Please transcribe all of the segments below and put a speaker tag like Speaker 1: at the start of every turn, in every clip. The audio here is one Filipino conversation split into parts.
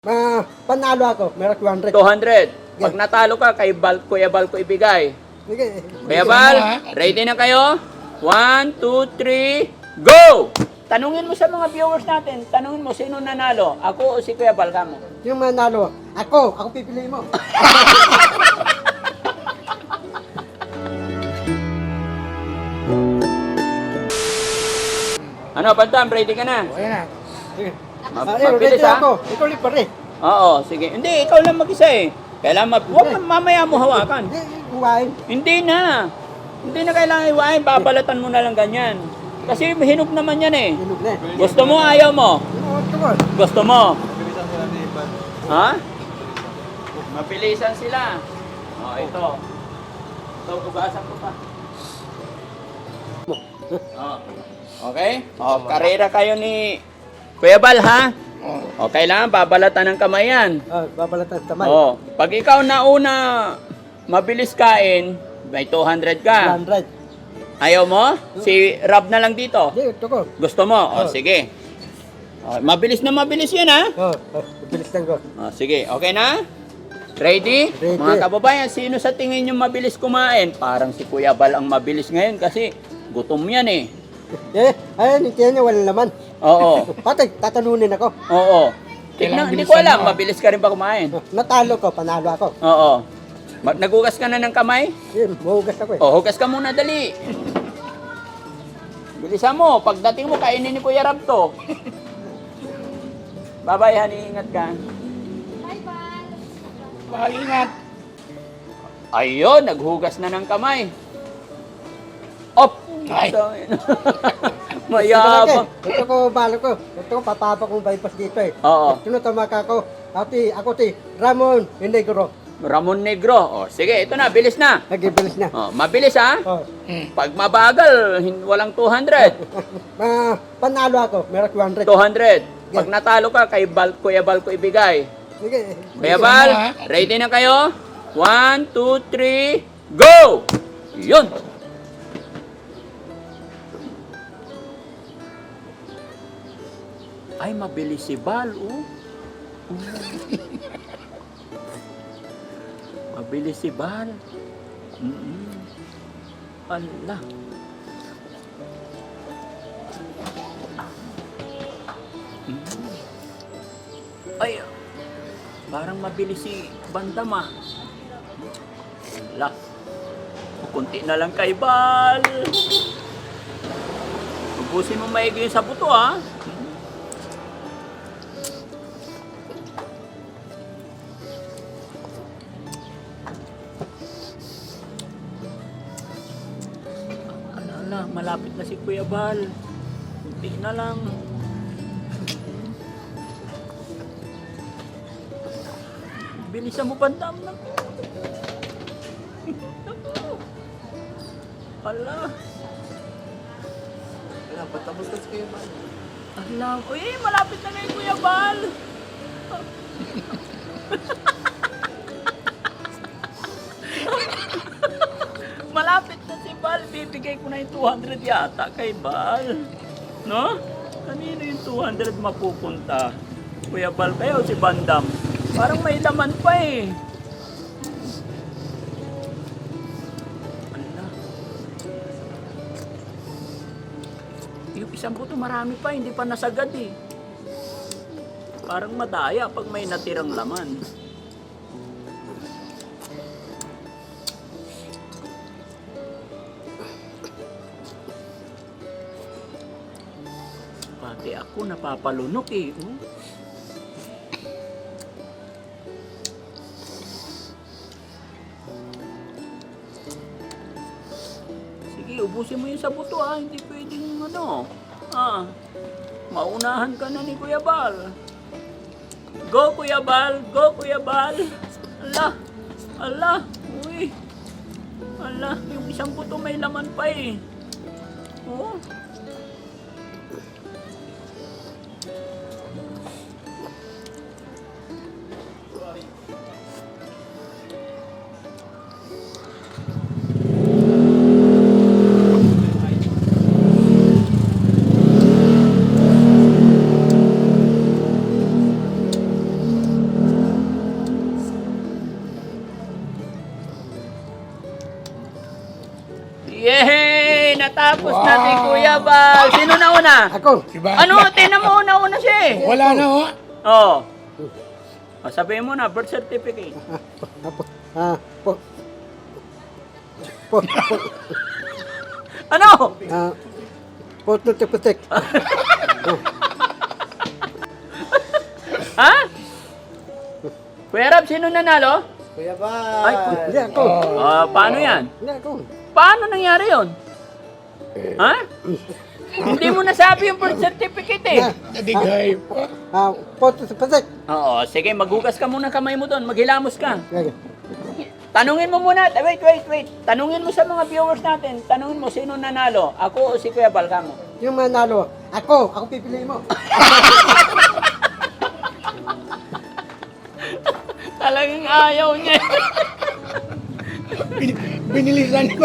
Speaker 1: Panalo ako, meron 200.
Speaker 2: 200. Pag natalo ka, kay Kuya Bal ko ibigay.
Speaker 1: Sige.
Speaker 2: Kuya Bal, ready na kayo? 1, 2, 3, go! Tanungin mo sa mga viewers natin, tanungin mo sino nanalo, ako o si Kuya Bal kamo?
Speaker 1: Yung manalo, ako pipili mo.
Speaker 2: Ano, Bantam, ready ka na?
Speaker 1: Okay na. Sige.
Speaker 2: Mabilis,
Speaker 1: ready
Speaker 2: ha?
Speaker 1: ako. Ikaw ulit pare.
Speaker 2: Oo, sige. Hindi, ikaw lang mag-isa eh. Kailangan huwag mamaya mo hawakan.
Speaker 1: Huwain.
Speaker 2: Hindi na. Hindi na kailangan iwain, babalatan mo na lang ganyan. Kasi hinog naman yan eh.
Speaker 1: Hinog na.
Speaker 2: Gusto mo, ayaw mo?
Speaker 1: Gusto mo.
Speaker 2: Gusto mo? Ha? Mabilisan sila. Oh, ito. Ito, bugasan ko pa. Oh. Okay? Oh, karera kayo ni Kuya Bal, ha? Oh, kailangan babalatan ng kamay yan.
Speaker 1: Babalatan sa tamay.
Speaker 2: Oh, pag ikaw nauna mabilis kain, may 200 ka.
Speaker 1: 100.
Speaker 2: Ayaw mo? Si Rob na lang dito.
Speaker 1: Hindi, ito ko.
Speaker 2: Gusto mo? Oh, sige. Oh, mabilis na mabilis yan, ha?
Speaker 1: Bilis lang ko.
Speaker 2: Oh, sige, okay na? Ready?
Speaker 1: Ready.
Speaker 2: Mga kababayan, sino sa tingin nyo mabilis kumain? Parang si Kuya Bal ang mabilis ngayon kasi gutom yan eh.
Speaker 1: Ayun, hindi niya wala naman.
Speaker 2: Oo.
Speaker 1: Pati, tatanunin ako.
Speaker 2: Oo. Tignan, hindi ko alam, mabilis ka rin ba kumain?
Speaker 1: Natalo ko, panalo ako.
Speaker 2: Oo. Nagugas ka na ng kamay?
Speaker 1: Yun, mahugas ako eh.
Speaker 2: O, hugas ka muna, dali. Bilisan mo, pagdating mo, kainin ni Kuya Rab to. Bye-bye, honey, ingat ka. Bye, ingat. Ayun, naghugas na ng kamay. Op!
Speaker 3: Ay.
Speaker 2: Mayabang.
Speaker 1: Ito ko, balo ko. Ito ko, papapa kong bypass dito eh.
Speaker 2: Oo.
Speaker 1: Tinutama ka ako. Ako ti, Ramon Inegro.
Speaker 2: Ramon Negro. O, sige, ito na, bilis na.
Speaker 1: Nagibilis na.
Speaker 2: O, mabilis ha.
Speaker 1: Oh.
Speaker 2: Pag mabagal, walang 200.
Speaker 1: Panalo ako, meron 200.
Speaker 2: 200. Pag natalo ka, kay Kuya Bal ko ibigay.
Speaker 1: Sige.
Speaker 2: Kuya Bal, ready na kayo? 1, 2, 3, go! Yun! Ay, mabilis si Bal, oh. Mabilis si Bal. Ala. Ay, parang mabilis si Bandam, ah. Ala. Kunti na lang kay Bal. Ubusin mo maigi sa buto, ah. Ala, malapit na si Kuya Bal. Kunti na lang. Bilisan mo, Bandam. Ala.
Speaker 3: Wala, patapos na si Kuya Bal.
Speaker 2: Ala. Uy, malapit na kay Kuya Bal. Malapit na si Bal. Bibigay ko na yung 200 yata kay Bal. No? Kanino yung 200 mapupunta? Kuya Bal kayo o si Bandam? Parang may laman pa eh. Ala. Yung isang buto marami pa, hindi pa nasagad eh. Parang madaya pag may natirang laman. Pati ako napapalunok eh. Oh. Sige, ubusin mo yung sa buto ah. Hindi pwedeng ano. Ah, maunahan ka na ni Kuya Bal. Go Kuya Bal! Go Kuya Bal! Ala! Ala! Uy! Ala! Yung isang buto may laman pa eh. Oh. natapos natin, Kuya Bal. Sino na una?
Speaker 1: Ako.
Speaker 2: Ano? Tinan mo, una siya eh.
Speaker 3: Wala na ho.
Speaker 2: Oo. Sabihin mo na, birth certificate.
Speaker 1: Ah, po, po, po,
Speaker 2: Ano?
Speaker 1: po, tutuputik.
Speaker 2: Ha? Kuya Rab, sino nanalo?
Speaker 1: Kuya
Speaker 2: Ay,
Speaker 1: Hindi ako.
Speaker 2: paano yan?
Speaker 1: Hindi ako.
Speaker 2: Paano nangyari yon? Ha? Hindi mo nasabi yung birth certificate eh.
Speaker 3: Nadigay po.
Speaker 1: Po, tutuputik.
Speaker 2: Oo, sige, maghugas ka muna kamay mo doon, maghilamos ka. Tanungin mo muna, wait. Tanungin mo sa mga viewers natin, tanungin mo sino nanalo, ako o si Kuya Bal kamo?
Speaker 1: Yung manalo, ako pipili mo.
Speaker 2: Talagang ayaw niya.
Speaker 3: Binilisan ko.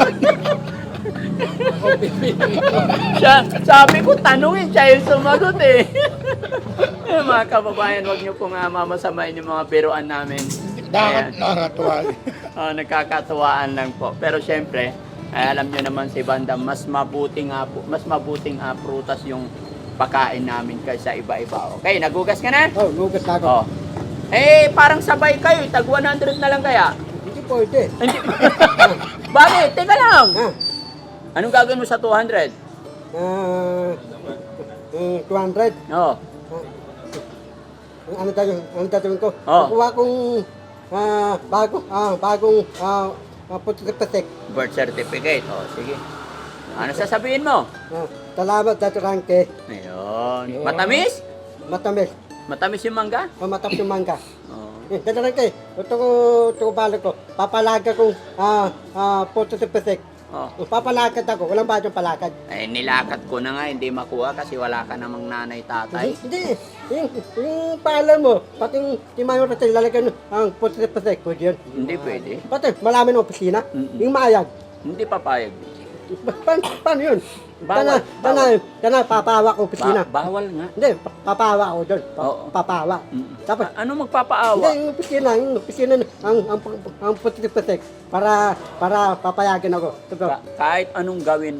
Speaker 2: Sabi ko, tanungin siya yung sumagot eh. Mga kababayan, huwag niyo pong mamasamain yung mga biruan namin.
Speaker 3: Dapat
Speaker 2: Ayan.
Speaker 3: nakakatuwa.
Speaker 2: Nagkakatuwaan lang po. Pero syempre, alam niyo naman si Banda, mas mabuting prutas yung pakain namin kaysa iba-iba. Okay, nagugas ka na?
Speaker 1: Oh, lugas na ako.
Speaker 2: Oh. Eh, parang sabay kayo, tag 100 na lang kaya.
Speaker 1: Hindi pwede.
Speaker 2: Hindi. Bakit? Teka lang.
Speaker 1: Ha?
Speaker 2: Anong gagawin mo sa 200?
Speaker 1: 200.
Speaker 2: Oo.
Speaker 1: Ano gagawin ko?
Speaker 2: Oh.
Speaker 1: Kukuha kong bagong putik-putik.
Speaker 2: Birth certificate. Oh, sige. Ano sasabihin mo?
Speaker 1: Salamat, Dr. Ranke.
Speaker 2: Ayun. Matamis?
Speaker 1: Matamis.
Speaker 2: Matamis yung mangga?
Speaker 1: Matap yung mangga.
Speaker 2: Oo.
Speaker 1: Dr. Ranke, ito ko balik ko. Papalaga kong putik-putik.
Speaker 2: Oh.
Speaker 1: Papalakad ako. Walang ba yung palakad?
Speaker 2: Eh, nilakad ko na nga, hindi makuha kasi wala ka namang nanay tatay.
Speaker 1: Hindi. Yung paalam mo, pati yung mayor natin lalagyan ang putik-putik. Pwede yun.
Speaker 2: Hindi pwede.
Speaker 1: Pati malaman ng opisina.
Speaker 2: Mm-mm.
Speaker 1: Yung maayag.
Speaker 2: Hindi papayag.
Speaker 1: Paano yun?
Speaker 2: Bawal,
Speaker 1: Kana, papawa ko opisina.
Speaker 2: Bawal nga.
Speaker 1: Hindi, papawa ako doon.
Speaker 2: Oo.
Speaker 1: Papawa.
Speaker 2: Mm.
Speaker 1: Tapos,
Speaker 2: Ano magpapaawa?
Speaker 1: hindi, yung opisina, ang putik-putik, para papayagan ako.
Speaker 2: Kahit anong gawin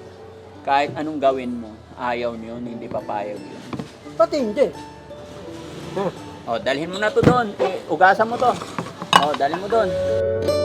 Speaker 2: mo, ayaw niyo, hindi papayag yun.
Speaker 1: Pati hindi. Ha?
Speaker 2: O, dalhin mo na to doon. Ugasan mo to. O, dalhin mo doon.